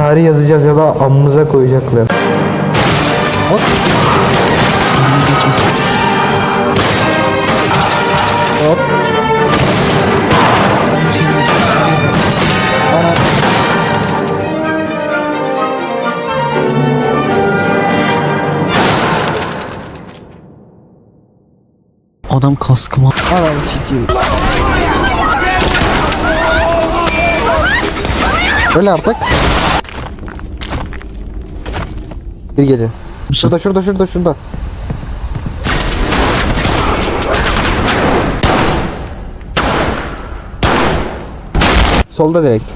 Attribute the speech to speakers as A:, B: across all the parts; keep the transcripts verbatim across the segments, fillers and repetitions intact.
A: tarih yazacağız ya da amımıza koyacaklar. Hop. Hop.
B: Adam kaskıma.
A: Anam çekiyor. Öyle artık. Bir geliyor. Şurada şurada şurada şurada. Solda direkt.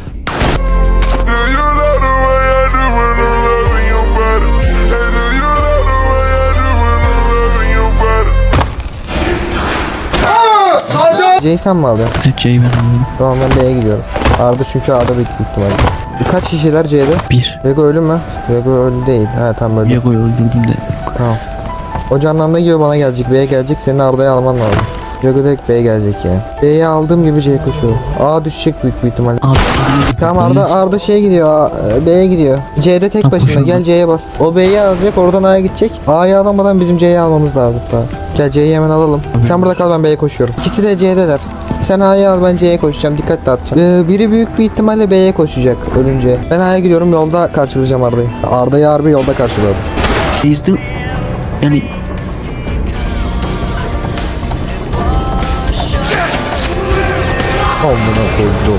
A: C'yi sen mi aldın?
B: Evet, C'yi ben alıyorum.
A: Tamam, ben B'ye gidiyorum. Arda çünkü A'da büyük ihtimalle. Kaç kişiler C'de?
B: Bir.
A: Vego ölü mü? Vego ölü değil. Ha tamam öldü.
B: Viego'yu öldürdüm de.
A: Tamam. O canlandığı gibi bana gelecek. B'ye gelecek. Senin Arda'yı alman lazım. Vego direkt B'ye gelecek yani. B'ye aldığım gibi C'ye koşuyorum. A düşecek büyük bir ihtimalle.
B: Abi.
A: Tamam Arda Arda şeye gidiyor. A- B'ye gidiyor. C'de tek
B: Tamam,
A: başına.
B: koşalım.
A: Gel C'ye bas. O B'yi alacak. Oradan A'ya gidecek. A'yı alamadan bizim C'yi almamız lazım. Tamam. Gel C'yi hemen alalım. Sen burada kal, ben B'ye koşuyorum. İkisi de C'deler. Sen A'yı al, ben C'ye koşacağım. Dikkat dağıtacağım. Ee, biri büyük bir ihtimalle B'ye koşacak ölünce. Ben A'ya gidiyorum. Yolda karşılayacağım Arda'yı. Arda'yı harbi yolda karşıladım.
B: Bizde yani
A: Amına koydum.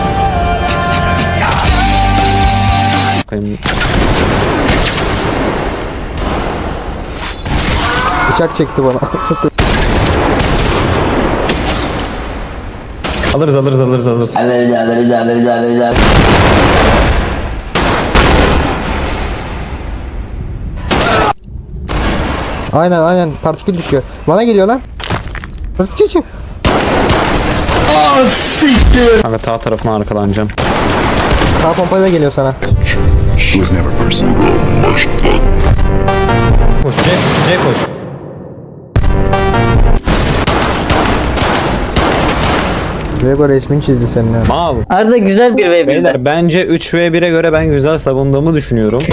A: Bıçak çekti bana.
C: Alırız alırız alırız alırız.
D: Alırız alırız alırız alırız alırız.
A: Aynen aynen, partikül düşüyor. Bana geliyor lan. Nasıl bir şey çık? Aa siktir.
C: Kanka sağ tarafına arkalanacağım.
A: Sağ pompayla geliyor sana.
E: was never personal.
C: Koş C, C koş.
A: Vego resmini çizdi senin yani.
C: Mal.
F: Arda güzel bir ve bir.
C: Beyler bence üç ve bire göre ben güzel savunduğumu düşünüyorum.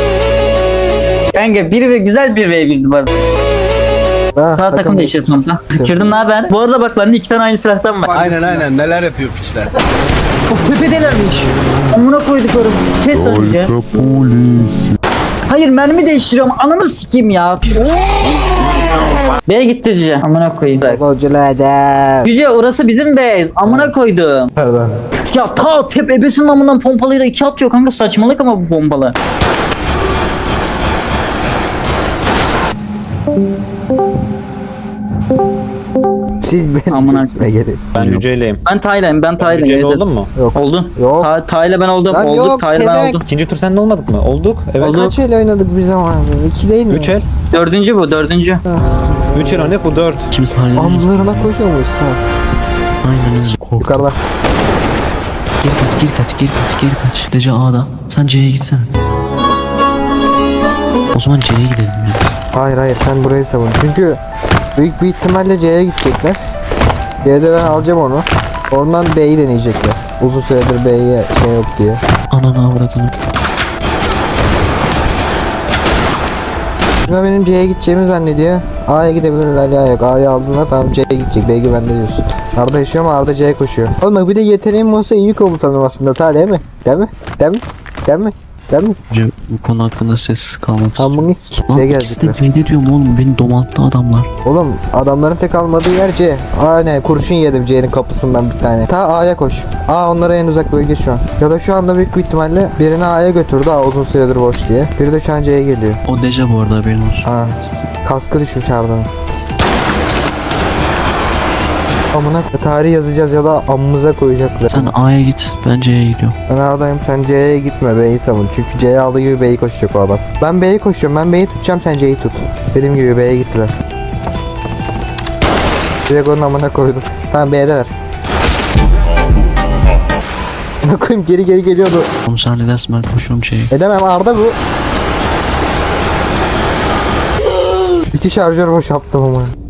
F: Kanka bir ve güzel bir ve birdi bu arada.
A: Ha,
F: Sağ takım değişir kanka. Kırdım ne haber? Bu arada bak bende iki tane aynı silahtan var.
G: Aynen aynen, neler yapıyor piçler.
F: O tepedelermiş. Amına koyduklarım. Kes önce. Hayır, mermi değiştiriyorum. Ananı sikeyim ya. B'ye gitti Cüce. Amına koyayım.
A: Golculaca.
F: Cüce orası bizim base. Amına koydum.
A: Nereden?
F: Ya ta tep ebesinin amından pompalıyla iki atıyor kanka, saçmalık ama bu pompalı.
A: Siz benim
F: Amına
A: resme gelin.
C: Ben Yüce'yleyim.
F: Ben Taylan, ben Taylan.
C: Yüce'yle
F: evet.
C: oldun mu?
A: Yok.
F: Oldun.
A: Yok.
F: Ta Tayla ben oldum.
A: Lan
F: Olduk.
A: yok,
F: Tayla ben
A: pezevenk.
F: oldum.
C: İkinci tur sende olmadık mı? Olduk. Evet.
F: Olduk.
A: Kaç el oynadık biz ama? İki değil mi?
C: Üç el.
F: Dördüncü bu, dördüncü.
C: Üç el oynadık, bu dört.
B: kimse halledemez.
A: Amlarına koyuyor muyuz? Tamam.
B: Aynen öyle. Kork.
A: Yukarıda.
B: Geri kaç, geri kaç, geri kaç, geri kaç. Dece A'da. Sen C'ye gitsene. O zaman C'ye gidelim ya.
A: Hayır hayır, sen burayı savun. Çünkü büyük bir ihtimalle C'ye gidecekler. C'de ben alacağım onu. Oradan B'yi deneyecekler. Uzun süredir B'ye şey yok diye.
B: Ananı avradını.
A: Buna benim C'ye gideceğimi zannediyor. A'ya gidebilirler ya, yok. A'ya aldılar, tamam C'ye gidecek. B güvende diyorsun. Arda yaşıyor ama Arda C'ye koşuyor. Oğlum bak, bir de yeteneğim olsa iyi komutanım aslında. Ta değil mi? Değil mi? Değil mi? Değil mi? Değil mi?
B: Önce bu konu hakkında ses kalmak istiyorum.
A: Tam bunu
B: Lan
A: kitleye
B: ikisi de
A: gelecekler.
B: C'de diyorum oğlum, beni domalttı adamlar.
A: Oğlum adamların tek almadığı yer C. Aa ne, kurşun yedim C'nin kapısından bir tane. Ta A'ya koş. A onlara en uzak bölge şu an. Ya da şu anda büyük bir ihtimalle birini A'ya götürdü. A uzun süredir boş diye. Biri de şu an C'ye geliyor.
B: O Deja bu arada, haberin olsun.
A: Ha, kaskı düşmüş Arda'nın. Amına tarih yazacağız ya da amımıza koyacaklar.
B: Sen A'ya git, ben C'ye gidiyorum.
A: Ben A'dayım, sen C'ye gitme, B'yi savun. Çünkü C'ye aldığı gibi B'yi koşacak o adam. Ben B'yi koşuyorum, ben B'yi tutacağım, sen C'yi tut. Dediğim gibi B'ye gittiler. Diego'nun amına koydum. Tamam, B'deler. Amına koyayım, geri geri geliyordu.
B: Oğlum sen ne dersin, ben koşuyorum C'ye.
A: Edemem, Arda bu. İki şarjör boşalttım ama.